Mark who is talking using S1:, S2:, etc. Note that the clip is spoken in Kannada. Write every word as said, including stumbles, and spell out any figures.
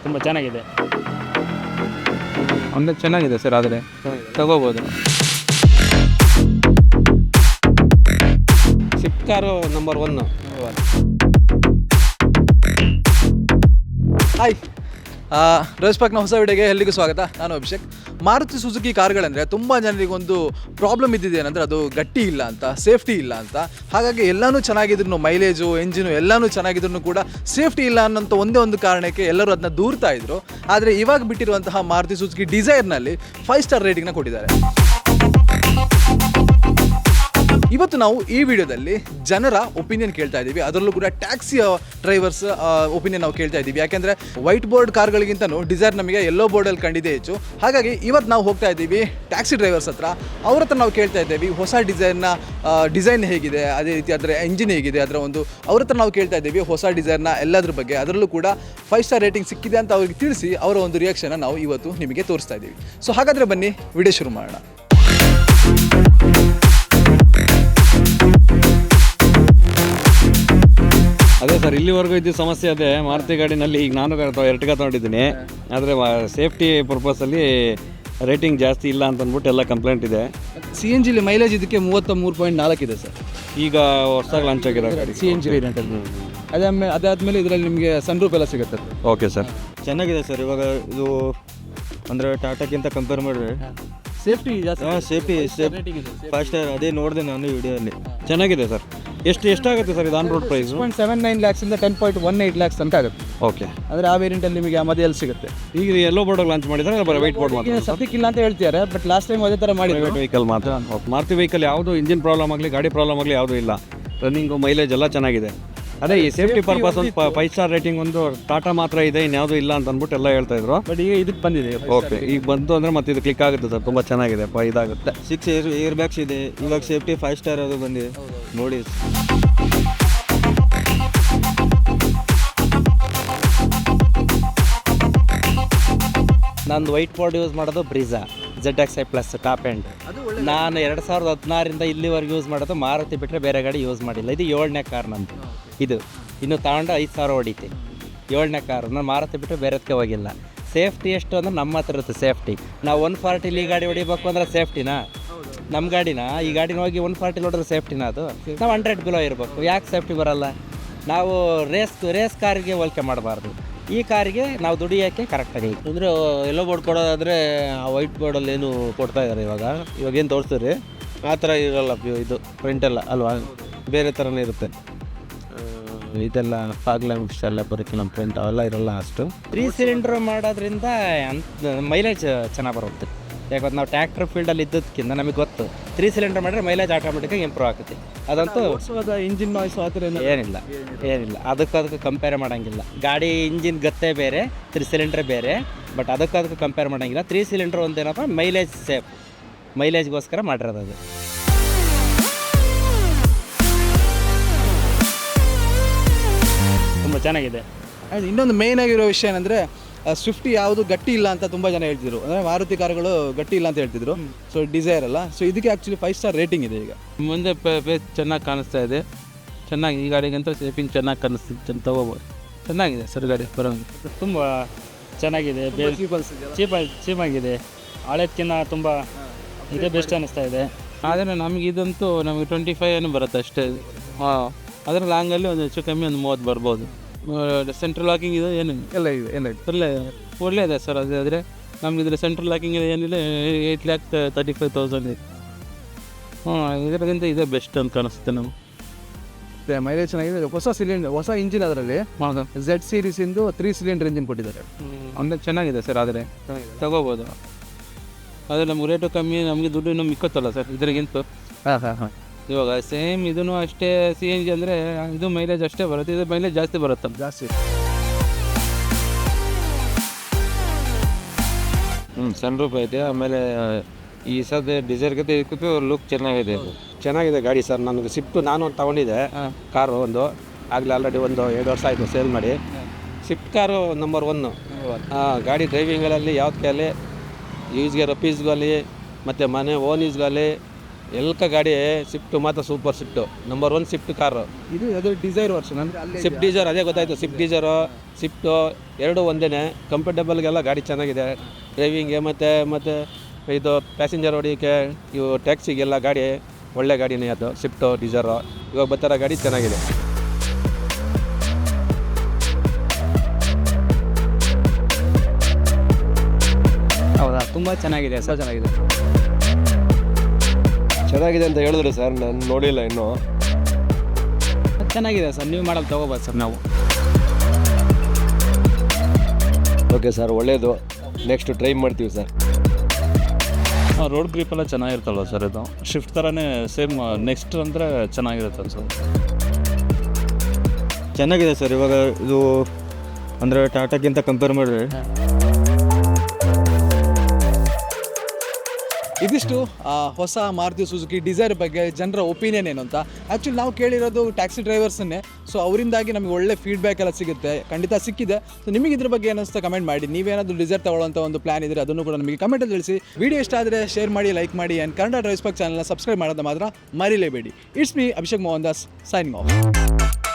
S1: ತುಂಬ ಚೆನ್ನಾಗಿದೆ.
S2: ಅಂದರೆ ಚೆನ್ನಾಗಿದೆ ಸರ್, ಆದರೆ ತಗೋಬೋದು.
S3: Swift car number one.
S4: Hi, rose ಪಾರ್ಕ್ನ ಹೊಸ ವಿಡಿಯೋಗೆ ಎಲ್ಲಿಗೂ ಸ್ವಾಗತ. ನಾನು ಅಭಿಷೇಕ್. ಮಾರುತಿ ಸುಜುಕಿ ಕಾರ್ಗಳಂದರೆ ತುಂಬ ಜನರಿಗೊಂದು ಪ್ರಾಬ್ಲಮ್ ಇದ್ದಿದೆ ಏನಂದರೆ ಅದು ಗಟ್ಟಿ ಇಲ್ಲ ಅಂತ, ಸೇಫ್ಟಿ ಇಲ್ಲ ಅಂತ. ಹಾಗಾಗಿ ಎಲ್ಲನೂ ಚೆನ್ನಾಗಿದ್ರು, ಮೈಲೇಜು, ಎಂಜಿನು ಎಲ್ಲನೂ ಚೆನ್ನಾಗಿದ್ರು ಕೂಡ ಸೇಫ್ಟಿ ಇಲ್ಲ ಅನ್ನೋಂಥ ಒಂದೇ ಒಂದು ಕಾರಣಕ್ಕೆ ಎಲ್ಲರೂ ಅದನ್ನ ದೂರ್ತಾ ಇದ್ರು. ಆದರೆ ಇವಾಗ ಬಿಟ್ಟಿರುವಂತಹ ಮಾರುತಿ ಸುಜುಕಿ ಡಿಸೈರ್ನಲ್ಲಿ ಫೈವ್ ಸ್ಟಾರ್ ರೇಟಿಂಗ್ನ ಕೊಟ್ಟಿದ್ದಾರೆ. ಇವತ್ತು ನಾವು ಈ ವಿಡಿಯೋದಲ್ಲಿ ಜನರ ಒಪಿನಿಯನ್ ಕೇಳ್ತಾ ಇದ್ದೀವಿ. ಅದರಲ್ಲೂ ಕೂಡ ಟ್ಯಾಕ್ಸಿ ಡ್ರೈವರ್ಸ್ ಒಪಿನಿಯನ್ ನಾವು ಕೇಳ್ತಾ ಇದ್ದೀವಿ. ಯಾಕೆಂದರೆ ವೈಟ್ ಬೋರ್ಡ್ ಕಾರ್ಗಳಿಗಿಂತನೂ ಡಿಸೈರ್ ನಮಗೆ ಯೆಲ್ಲೋ ಬೋರ್ಡಲ್ಲಿ ಕಂಡಿದೆ ಹೆಚ್ಚು. ಹಾಗಾಗಿ ಇವತ್ತು ನಾವು ಹೋಗ್ತಾ ಇದ್ದೀವಿ ಟ್ಯಾಕ್ಸಿ ಡ್ರೈವರ್ಸ್ ಹತ್ರ. ಅವ್ರ ಹತ್ರ ನಾವು ಕೇಳ್ತಾ ಇದ್ದೀವಿ ಹೊಸ ಡಿಸೈರ್ನ ಡಿಸೈನ್ ಹೇಗಿದೆ, ಅದೇ ರೀತಿ ಅದರ ಎಂಜಿನ್ ಹೇಗಿದೆ, ಅದರ ಒಂದು ಅವ್ರ ಹತ್ರ ನಾವು ಕೇಳ್ತಾ ಇದ್ದೀವಿ ಹೊಸ ಡಿಸೈರ್ನ ಎಲ್ಲದ್ರ ಬಗ್ಗೆ. ಅದರಲ್ಲೂ ಕೂಡ ಫೈವ್ ಸ್ಟಾರ್ ರೇಟಿಂಗ್ ಸಿಕ್ಕಿದೆ ಅಂತ ಅವ್ರಿಗೆ ತಿಳಿಸಿ ಅವರ ಒಂದು ರಿಯಾಕ್ಷನ್ನ ನಾವು ಇವತ್ತು ನಿಮಗೆ ತೋರಿಸ್ತಾ ಇದ್ದೀವಿ. ಸೊ ಹಾಗಾದರೆ ಬನ್ನಿ ವಿಡಿಯೋ ಶುರು ಮಾಡೋಣ.
S3: ಅದೇ ಸರ್, ಇಲ್ಲಿವರೆಗೂ ಇದ್ದ ಸಮಸ್ಯೆ ಅದೇ ಮಾರುತಿ ಗಾಡಿನಲ್ಲಿ. ಈಗ ನಾನು ಎರಟಿಗ ತೊಗೊಂಡಿದ್ದೀನಿ, ಆದರೆ ಸೇಫ್ಟಿ ಪರ್ಪಸಲ್ಲಿ ರೇಟಿಂಗ್ ಜಾಸ್ತಿ ಇಲ್ಲ ಅಂತ ಅಂದ್ಬಿಟ್ಟು ಎಲ್ಲ ಕಂಪ್ಲೇಂಟ್ ಇದೆ.
S4: ಸಿ ಎನ್ ಜಿಲಿ ಮೈಲೇಜ್ ಇದಕ್ಕೆ ಮೂವತ್ತ ಮೂರು ಪಾಯಿಂಟ್ ನಾಲ್ಕು ಇದೆ ಸರ್.
S3: ಈಗ ಹೊಸದಾಗಿ ಲಾಂಚ್ ಆಗಿರೋ ಗಾಡಿ
S4: ಸಿ ಎನ್ ಜಿ ವೇರಿಯಂಟಲ್ಲಿ. ಅದಾದ್ಮೇಲೆ ಅದಾದಮೇಲೆ ಇದರಲ್ಲಿ ನಿಮಗೆ ಸನ್ರೂಫ್ ಎಲ್ಲ ಸಿಗುತ್ತೆ.
S3: ಓಕೆ ಸರ್,
S5: ಚೆನ್ನಾಗಿದೆ ಸರ್. ಇವಾಗ ಇದು ಅಂದರೆ ಟಾಟಾಕ್ಕಿಂತ ಕಂಪೇರ್ ಮಾಡಿದ್ರೆ
S4: ಸೇಫ್ಟಿ ಜಾಸ್ತಿ.
S5: ಹಾಂ, ಸೇಫ್ಟಿ ಸೇಫ್ಟಿ ಫೈವ್ ಸ್ಟಾರ್ ಅದೇ ನೋಡಿದೆ ನಾನು ವಿಡಿಯೋಲ್ಲಿ.
S3: ಚೆನ್ನಾಗಿದೆ ಸರ್. ಎಷ್ಟು ಎಷ್ಟಾಗುತ್ತೆ ಸರ್ ಇದು on road price?
S4: Point seven nine ಲ್ಯಾಕ್ಸಿಂದ ten point one eight lakhs ತನಕ ಆಗುತ್ತೆ.
S3: ಓಕೆ,
S4: ಅಂದರೆ ಆ ವೇರಿಯಂಟಲ್ಲಿ ನಿಮಗೆ ಆ ಮಧ್ಯದಲ್ಲಿ ಸಿಗುತ್ತೆ.
S3: ಈಗ ಎಲ್ಲೋ ಬೋರ್ಡ್ ಲಾಂಚ್ ಮಾಡಿದ್ರೆ ಬರೀ ವೈಟ್ ಬೋರ್ಡ್ ಮಾತ್ರ
S4: ಸದ್ಯಕ್ಕಿಲ್ಲ ಅಂತ ಹೇಳ್ತಿದ್ದಾರೆ, ಬಟ್ ಲಾಸ್ಟ್ ಟೈಮ್ ಅದೇ ಥರ ಮಾಡಿ
S3: ಪ್ರೈವೇಟ್ ವೆಹಿಕಲ್ ಮಾತ್ರ. ಮಾರುತಿ ವೆಹಿಕಲ್ ಯಾವುದು ಇಂಜಿನ್ ಪ್ರಾಬ್ಲಮ್ ಆಗಲಿ, ಗಾಡಿ ಪ್ರಾಬ್ಲಮ್ ಆಗಲಿ ಯಾವುದೂ ಇಲ್ಲ. ರನ್ನಿಂಗು, ಮೈಲೇಜ್ ಎಲ್ಲ ಚೆನ್ನಾಗಿದೆ. ಅದೇ ಈ ಸೇಫ್ಟಿ ಪರ್ಪಸ್ ಒಂದು ಫೈವ್ ಸ್ಟಾರ್ ರೇಟಿಂಗ್ ಒಂದು ಟಾಟಾ ಮಾತ್ರ ಇದೆ, ಇನ್ಯಾವುದೂ ಇಲ್ಲ ಅಂತ ಅಂದ್ಬಿಟ್ಟು ಎಲ್ಲ ಹೇಳ್ತಾ ಇದ್ರು.
S4: ಬಟ್ ಈಗ ಇದಕ್ಕೆ ಬಂದಿದೆ.
S3: ಓಕೆ, ಈಗ ಬಂತು ಅಂದರೆ ಮತ್ತೆ ಇದು ಕ್ಲಿಕ್ ಆಗುತ್ತೆ ಸರ್, ತುಂಬ ಚೆನ್ನಾಗಿದೆ, ಇದಾಗುತ್ತೆ.
S5: ಸಿಕ್ಸ್ ಏರ್ ಏರ್ ಬ್ಯಾಗ್ಸ್ ಇದೆ. ಇವಾಗ ಸೇಫ್ಟಿ ಫೈವ್ ಸ್ಟಾರ್ ಅದು ಬಂದಿದೆ ನೋಡಿ.
S6: ನಂದು ವೈಟ್ ಬೋರ್ಡ್ ಯೂಸ್ ಮಾಡೋದು Brezza Z X I plus top end. ನಾನು ಎರಡು ಸಾವಿರದ ಹದಿನಾರರಿಂದ ಇಲ್ಲಿವರೆಗೆ ಯೂಸ್ ಮಾಡೋದು ಮಾರುತಿ ಬಿಟ್ಟರೆ ಬೇರೆ ಗಾಡಿ ಯೂಸ್ ಮಾಡಿಲ್ಲ. ಇದು ಏಳನೇ ಕಾರ್ ನಂದು. ಇದು ಇನ್ನು ತಗೊಂಡು ಐದು ಸಾವಿರ ಹೊಡಿತೆ. ಏಳನೇ ಕಾರು. ನಾನು ಮಾರುತಿ ಬಿಟ್ಟರೆ ಬೇರೆದಕ್ಕೆ ಹೋಗಿಲ್ಲ. ಸೇಫ್ಟಿ ಎಷ್ಟು ಅಂದ್ರೆ ನಮ್ಮ ಹತ್ರ ಇರುತ್ತೆ ಸೇಫ್ಟಿ. ನಾವು ಒನ್ ಫಾರ್ಟಿಲಿ ಈ ಗಾಡಿ ಹೊಡಿಬೇಕು ಅಂದರೆ ಸೇಫ್ಟಿನಾ? ನಮ್ಮ ಗಾಡಿನ ಈ ಗಾಡಿನ ಹೋಗಿ ಒನ್ ಫಾರ್ಟಿಲಿ ಹೊಡೆದ್ರೆ ಸೇಫ್ಟಿನ? ಅದು ನಾವು ಹಂಡ್ರೆಡ್ ಬಿಲೋ ಇರಬೇಕು. ಯಾಕೆ ಸೇಫ್ಟಿ ಬರೋಲ್ಲ? ನಾವು ರೇಸ್ ರೇಸ್ ಕಾರಿಗೆ ಹೋಲಿಕೆ ಮಾಡಬಾರ್ದು. ಈ ಕಾರಿಗೆ ನಾವು ದುಡಿಯೋಕ್ಕೆ ಕರೆಕ್ಟಾಗಿ
S5: ಅಂದರೆ ಎಲ್ಲೋ ಬೋರ್ಡ್ ಕೊಡೋದಾದರೆ ಆ ವೈಟ್ ಬೋರ್ಡಲ್ಲಿ ಏನು ಕೊಡ್ತಾ ಇದ್ದಾರೆ ಇವಾಗ. ಇವಾಗ ಏನು ತೋರಿಸ್ತೀರಿ ಆ ಥರ ಇರೋಲ್ಲ ಇದು ಪ್ರಿಂಟೆಲ್ಲ ಅಲ್ವಾ, ಬೇರೆ ಥರನೇ ಇರುತ್ತೆ. ಇದೆಲ್ಲ ಫಾಗ್ ಲ್ಯಾಂಗ್ವೇಜ್ ಎಲ್ಲ ಬರೋಕ್ಕೆ ನಮ್ಮ ಪ್ರಿಂಟ್ ಅವೆಲ್ಲ ಇರೋಲ್ಲ ಅಷ್ಟು.
S6: ತ್ರೀ ಸಿಲಿಂಡ್ರ್ ಮಾಡೋದ್ರಿಂದ ಅಂತ ಮೈಲೇಜ್ ಚೆನ್ನಾಗಿ ಬರುತ್ತೆ. ಯಾಕಂದ್ರೆ ನಾವು ಟ್ಯಾಕ್ಟರ್ ಫೀಲ್ಡಲ್ಲಿ ಇದ್ದದಕ್ಕಿಂತ ನಮಗೆ ಗೊತ್ತು ತ್ರೀ ಸಿಲಿಂಡರ್ ಮಾಡಿದ್ರೆ ಮೈಲೇಜ್ ಆಟೋಮೆಟಿಕಾಗಿ ಇಂಪ್ರೂವ್ ಆಗುತ್ತೆ. ಅದಂತೂ
S4: ಇಂಜಿನ್ ನಾಯ್ಸ್ ಆ ಥರ
S6: ಏನಿಲ್ಲ ಏನಿಲ್ಲ ಅದಕ್ಕೆ ಅದಕ್ಕೆ ಕಂಪೇರ್ ಮಾಡೋಂಗಿಲ್ಲ. ಗಾಡಿ ಇಂಜಿನ್ ಗತ್ತೆ ಬೇರೆ, ತ್ರೀ ಸಿಲಿಂಡ್ರ್ ಬೇರೆ. ಬಟ್ ಅದಕ್ಕೆ ಅದಕ್ಕೆ ಕಂಪೇರ್ ಮಾಡೋಂಗಿಲ್ಲ. ತ್ರೀ ಸಿಲಿಂಡ್ರ್ ಒಂದೇನಪ್ಪ ಮೈಲೇಜ್ ಸೇಫ್, ಮೈಲೇಜ್ಗೋಸ್ಕರ ಮಾಡಿರೋದು ಅದು.
S1: ತುಂಬ ಚೆನ್ನಾಗಿದೆ.
S4: ಇನ್ನೊಂದು ಮೇಯ್ನ್ ಆಗಿರೋ ವಿಷಯ ಏನಂದರೆ ಸ್ವಿಫ್ಟಿ ಯಾವುದು ಗಟ್ಟಿ ಇಲ್ಲ ಅಂತ ತುಂಬ ಜನ ಹೇಳ್ತಿದ್ರು. ಅಂದರೆ ಮಾರುತಿ ಕಾರುಗಳು ಗಟ್ಟಿ ಇಲ್ಲ ಅಂತ ಹೇಳ್ತಿದ್ರು. ಸೊ ಡಿಸೈರ್ ಅಲ್ಲ. ಸೊ ಇದಕ್ಕೆ ಆ್ಯಕ್ಚುಲಿ ಫೈವ್ ಸ್ಟಾರ್ ರೇಟಿಂಗ್ ಇದೆ. ಈಗ
S2: ಮುಂದೆ ಪೇಸ್ ಚೆನ್ನಾಗಿ ಕಾಣಿಸ್ತಾ ಇದೆ. ಚೆನ್ನಾಗಿ ಈ ಗಾಡಿಗಂತೂ ಸೇಫಿಂಗ್ ಚೆನ್ನಾಗಿ ಕಾಣಿಸ್ತಿತ್ತು, ತಗೋಬೋದು. ಚೆನ್ನಾಗಿದೆ ಸರ್ ಗಾಡಿ, ಬರೋಂಗೆ
S1: ತುಂಬ ಚೆನ್ನಾಗಿದೆ. ಚೀಪ್ ಚೀಪಾಗಿದೆ. ಹಳೇದಕ್ಕಿಂತ ತುಂಬ ಇದೇ ಬೆಸ್ಟ್ ಅನ್ನಿಸ್ತಾ ಇದೆ.
S2: ಆದರೆ ನಮಗೆ ಇದಂತೂ ನಮಗೆ ಟ್ವೆಂಟಿ ಫೈವ್ ಏನು ಬರುತ್ತೆ ಅಷ್ಟೇ. ಹಾಂ, ಅದರ ಲಾಂಗಲ್ಲಿ ಒಂದು ಹೆಚ್ಚು ಕಮ್ಮಿ ಒಂದು ಮೂವತ್ತು ಬರ್ಬೋದು. ಸೆಂಟ್ರಲ್ ಲಾಕಿಂಗ್ ಇದೆ ಏನು
S4: ಎಲ್ಲ ಇದೆ, ಎಲ್ಲ ಇದೆ,
S2: ಒಳ್ಳೆ ಒಳ್ಳೆಯದೇ ಸರ್. ಅದೇ ಆದರೆ ನಮ್ಗೆ ಇದ್ರೆ ಸೆಂಟ್ರಲ್ ಲಾಕಿಂಗ್ ಏನಿಲ್ಲ, eight lakh thirty five thousand ಇದೆ. ಹಾಂ, ಇದಕ್ಕಿಂತ ಇದೇ ಬೆಸ್ಟ್ ಅಂತ ಕಾಣಿಸುತ್ತೆ ನಮಗೆ.
S4: ಮೈಲೇಜ್ ಚೆನ್ನಾಗಿದೆ. ಹೊಸ ಸಿಲಿಂಡರ್, ಹೊಸ ಇಂಜಿನ್ ಅದರಲ್ಲಿ ಝೆಡ್ ಸೀರೀಸಿಂದು ತ್ರೀ ಸಿಲಿಂಡರ್ ಇಂಜಿನ್ ಕೊಟ್ಟಿದ್ದಾರೆ.
S2: ಅಂದರೆ ಚೆನ್ನಾಗಿದೆ ಸರ್, ಆದರೆ ತಗೋಬೋದು. ಆದರೆ ನಮ್ಗೆ ರೇಟು ಕಮ್ಮಿ, ನಮಗೆ ದುಡ್ಡು ಇನ್ನೂ ಮಿಕ್ಕತ್ತಲ್ಲ ಸರ್ ಇದರಿಗಿಂತ.
S4: ಹಾಂ ಹಾಂ ಹಾಂ
S2: ಇವಾಗ ಸೇಮ್ ಇದೂ ಅಷ್ಟೇ ಸಿ ಎನ್ ಜಿ ಅಂದರೆ ಇದು ಮೈಲೇಜ್ ಅಷ್ಟೇ ಬರುತ್ತೆ, ಇದು ಮೈಲೇಜ್ ಜಾಸ್ತಿ ಬರುತ್ತೆ.
S4: ಜಾಸ್ತಿ
S5: ಹ್ಞೂ ಸನ್ ರೂಫ್ ಐತೆ. ಆಮೇಲೆ ಈ ಸದ್ಯ ಡಿಸೈರ್ಗಿಂತ ಇದಕ್ಕೂ ಲುಕ್ ಚೆನ್ನಾಗಿದೆ.
S3: ಚೆನ್ನಾಗಿದೆ ಗಾಡಿ ಸರ್. ನನಗೆ ಸ್ವಿಫ್ಟು ನಾನು ಒಂದು ತೊಗೊಂಡಿದ್ದೆ ಕಾರು ಒಂದು, ಆಗಲೇ ಆಲ್ರೆಡಿ ಒಂದು ಎರಡು ವರ್ಷ ಆಯಿತು ಸೇಲ್ ಮಾಡಿ. Swift car number one. ಗಾಡಿ ಡ್ರೈವಿಂಗಲ್ಲಿ ಯಾವುದಕ್ಕೆ ಅಲ್ಲಿ ಯೂಸ್ಗೆ ರಫೀಸ್ಗಲ್ಲಿ ಮತ್ತು ಮನೆ ಓನ್ ಯೂಸ್ಗಲ್ಲಿ
S5: ಎಲ್ಕ ಗಾಡಿ ಸ್ವಿಫ್ಟ್ ಮಾತ್ರ super Swift number one Swift car.
S4: ಇದು ಅದು ಡಿಸೈರ್ ವರ್ಷನ್ ಅಂದರೆ ಅಲ್ಲಿ
S5: ಸ್ವಿಫ್ಟ್ ಡೀಸರ್ ಅದೇ ಗೊತ್ತಾಯಿತು. ಸ್ವಿಫ್ಟ್ ಡೀಸರು ಸ್ವಿಫ್ಟು ಎರಡು ಒಂದೇ. ಕಂಫರ್ಟೇಬಲ್ಗೆಲ್ಲ ಗಾಡಿ ಚೆನ್ನಾಗಿದೆ ಡ್ರೈವಿಂಗ್ಗೆ, ಮತ್ತು ಮತ್ತು ಇದು ಪ್ಯಾಸೆಂಜರ್ ಹೊಡಿಯೋಕ್ಕೆ, ಇವು ಟ್ಯಾಕ್ಸಿಗೆಲ್ಲ ಗಾಡಿ ಒಳ್ಳೆ ಗಾಡಿನೇ ಅದು ಸ್ವಿಫ್ಟು ಡೀಸರು. ಇವಾಗ ಬರ್ತಾರ ಗಾಡಿ ಚೆನ್ನಾಗಿದೆ.
S6: ಹೌದಾ, ತುಂಬ ಚೆನ್ನಾಗಿದೆ ಸರ್.
S4: ಚೆನ್ನಾಗಿದೆ.
S3: ಚೆನ್ನಾಗಿದೆ ಅಂತ ಹೇಳಿದ್ರು ಸರ್, ನಾನು ನೋಡಿಲ್ಲ ಇನ್ನೂ.
S6: ಚೆನ್ನಾಗಿದೆ ಸರ್, ನೀವು ಮಾಡಲ್ ತೊಗೋಬೋದು ಸರ್ ನಾವು.
S3: ಓಕೆ ಸರ್, ಒಳ್ಳೆಯದು. ನೆಕ್ಸ್ಟ್ ಟ್ರೈ ಮಾಡ್ತೀವಿ ಸರ್.
S2: ರೋಡ್ ಗ್ರಿಪ್ಪೆಲ್ಲ ಚೆನ್ನಾಗಿರ್ತಲ್ವ ಸರ್, ಇದು ಶಿಫ್ಟ್ ಥರನೇ ಸೇಮ್. ನೆಕ್ಸ್ಟ್ ಅಂದರೆ ಚೆನ್ನಾಗಿರುತ್ತೆ ಸರ್.
S7: ಚೆನ್ನಾಗಿದೆ ಸರ್. ಇವಾಗ ಇದು ಅಂದರೆ ಟಾಟಾಕ್ಕಿಂತ ಕಂಪೇರ್ ಮಾಡಿದ್ರೆ
S4: ಇದಿಷ್ಟು ಆ, ಹೊಸ ಮಾರುತಿ ಸುಜುಕಿ ಡಿಸೈರ್ ಬಗ್ಗೆ ಜನರ ಒಪಿನಿಯನ್ ಏನು ಅಂತ. ಆ್ಯಕ್ಚುಲಿ ನಾವು ಕೇಳಿರೋದು ಟ್ಯಾಕ್ಸಿ ಡ್ರೈವರ್ಸನ್ನೇ. ಸೊ ಅವರಿಂದಾಗಿ ನಮಗೆ ಒಳ್ಳೆ ಫೀಡ್ಬ್ಯಾಕ್ ಎಲ್ಲ ಸಿಗುತ್ತೆ, ಖಂಡಿತ ಸಿಕ್ಕಿದೆ. ಸೊ ನಿಮಗೆ ಇದ್ರ ಬಗ್ಗೆ ಏನಿಸ್ತಾ ಕಮೆಂಟ್ ಮಾಡಿ. ನೀವೇನಾದರೂ ಡಿಸೈರ್ ತಗೊಳ್ಳೋಂಥ ಒಂದು ಪ್ಲಾನ್ ಇದ್ದರೆ ಅದನ್ನು ಕೂಡ ನಮಗೆ ಕಮೆಂಟಲ್ಲಿ ತಿಳಿಸಿ. ವಿಡಿಯೋ ಇಷ್ಟ ಆದರೆ ಶೇರ್ ಮಾಡಿ, ಲೈಕ್ ಮಾಡಿ, ಆ್ಯಂಡ್ ಕನ್ನಡ ಡ್ರೈವ್ಸ್ ಪಾಕ್ ಚಾನಲ್ನ ಸಬ್ಸ್ಕ್ರೈಬ್ ಮಾಡೋದು ಮಾತ್ರ ಮರಿಲೇಬೇಡಿ. It's me Abhishek Mohan Das, signing of.